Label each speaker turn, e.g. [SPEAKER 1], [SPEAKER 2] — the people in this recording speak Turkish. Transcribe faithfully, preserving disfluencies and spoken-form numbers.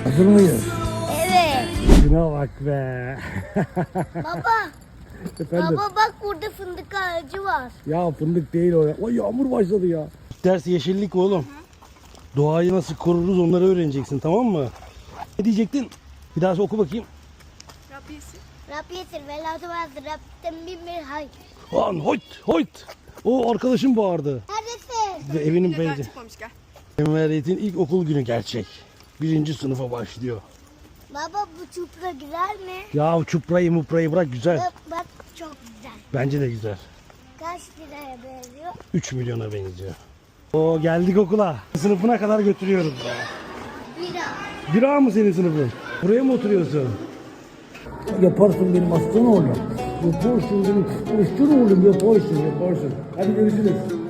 [SPEAKER 1] Hazır mıyız?
[SPEAKER 2] Evet.
[SPEAKER 1] Şuna bak be.
[SPEAKER 2] Baba.
[SPEAKER 1] Efendim?
[SPEAKER 2] Baba bak burada fındık ağacı var.
[SPEAKER 1] Ya fındık değil o ya. Ay yağmur başladı ya. Ders yeşillik oğlum. Doğayı nasıl koruruz onları öğreneceksin, tamam mı? Ne diyecektin? Bir daha oku bakayım.
[SPEAKER 2] Rabbiyesi. Rabbiyesi ve la tuvazı Rabbim bin bir hay.
[SPEAKER 1] Lan hoyt hoyt. O arkadaşım bağırdı.
[SPEAKER 2] Neredesin?
[SPEAKER 1] Ve evinin
[SPEAKER 3] Daha
[SPEAKER 1] beyci.
[SPEAKER 3] çıkmamış, gel.
[SPEAKER 1] Cumhuriyet'in ilk okul günü gerçek. Birinci sınıfa başlıyor.
[SPEAKER 2] Baba bu çupra güzel mi?
[SPEAKER 1] Ya çuprayı muprayı bırak, güzel.
[SPEAKER 2] Bak, bak çok güzel.
[SPEAKER 1] Bence de güzel.
[SPEAKER 2] Kaç liraya benziyor?
[SPEAKER 1] üç milyona benziyor. Oo, geldik okula. Sınıfına kadar götürüyoruz ya.
[SPEAKER 2] Bira.
[SPEAKER 1] Bira mı senin sınıfın? Buraya mı oturuyorsun? Yaparsın benim aslan oğlum. Yaparsın benim aslan oğlum, yaparsın yaparsın. Hadi görüşürüz.